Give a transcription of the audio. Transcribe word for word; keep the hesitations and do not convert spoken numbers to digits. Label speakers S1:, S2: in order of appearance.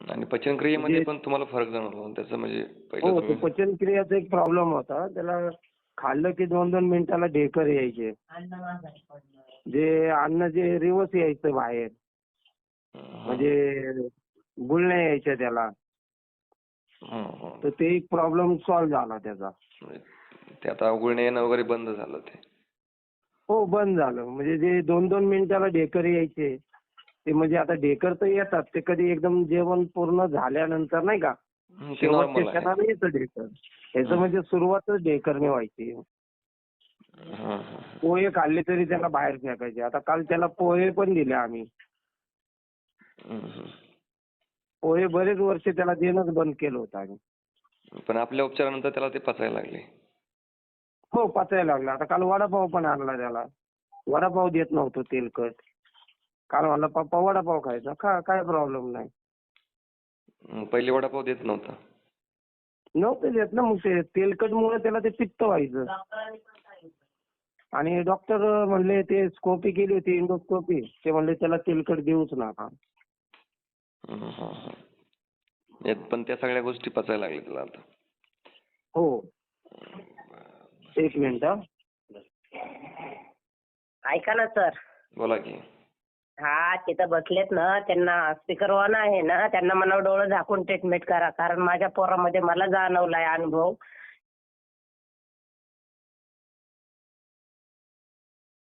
S1: आणि पचनक्रियेमध्ये
S2: म्हणजे
S1: पण तुम्हाला फरक जाणवला ना त्याचं म्हणजे पहिलं
S2: हो, तो
S1: तुम्ही
S2: पचनक्रियाचा एक प्रॉब्लेम होता. त्याला खाल्लं की दोन दोन मिनिटाला ढेकर यायचे. जे अन्न जे रिवर्स यायचं बाहेर.
S1: हं,
S2: म्हणजे गुळण्या यायच्या त्याला.
S1: हं, हं.
S2: तर ते एक प्रॉब्लेम सॉल्व्ह झाला त्याचा.
S1: म्हणजे ते आता गुळणे येणं वगैरे बंद झालं ते.
S2: हो, बंद झालं. म्हणजे जे दोन दोन मिनिटाला ढेकर यायचे, ते म्हणजे आता ढेकर तर येतात. ते कधी एकदम जेवण पूर्ण झाल्यानंतर नाही का,
S1: हं, ते
S2: शेवटच्या
S1: नॉर्मल आहे.
S2: क्षणाला येतं ढेकर. ह्याचं
S1: हं.
S2: म्हणजे सुरुवातच ढेकरने व्हायची.
S1: हं, हं, हं.
S2: पोहे खाल्ले तरी त्याला बाहेर फेकायचे. आता काल त्याला पोहे पण दिले आम्ही.
S1: हं, हं.
S2: पोहे बरेच वर्ष त्याला देणंच बंद केलं होतं आम्ही.
S1: पण आपल्या उपचारानंतर त्याला ते पचायला लागले.
S2: हो, पचायला लागला. आता काल वडापाव पण आणला त्याला. वडापाव देत नव्हतो तेलकट. काल म्हणला पप्पा वडापाव खायचा. खा, काय प्रॉब्लेम नाही.
S1: हं, पहिले वडापाव देत नव्हता.
S2: नव्हतं देत ना, मग ते तेलकटमुळे त्याला ते पित्त व्हायचं. आणि डॉक्टर म्हणले ते स्कोपी केली होती, इंडोस्कोपी. ते म्हणले त्याला तेलकट देऊच नका.
S1: हं, हं, हं. यात पण त्या सगळ्या गोष्टी पचायला लागल्या त्याला आता.
S2: हो. एक मिनिट हा.
S3: ऐका ना सर.
S1: बोला की.
S3: हा तिथं बसलेत ना, त्यांना स्पीकर ऑन आहे ना, त्यांना म्हणावं डोळे झाकून ट्रीटमेंट करा. कारण माझ्या पोरामध्ये मला जाणवलाय अनुभव.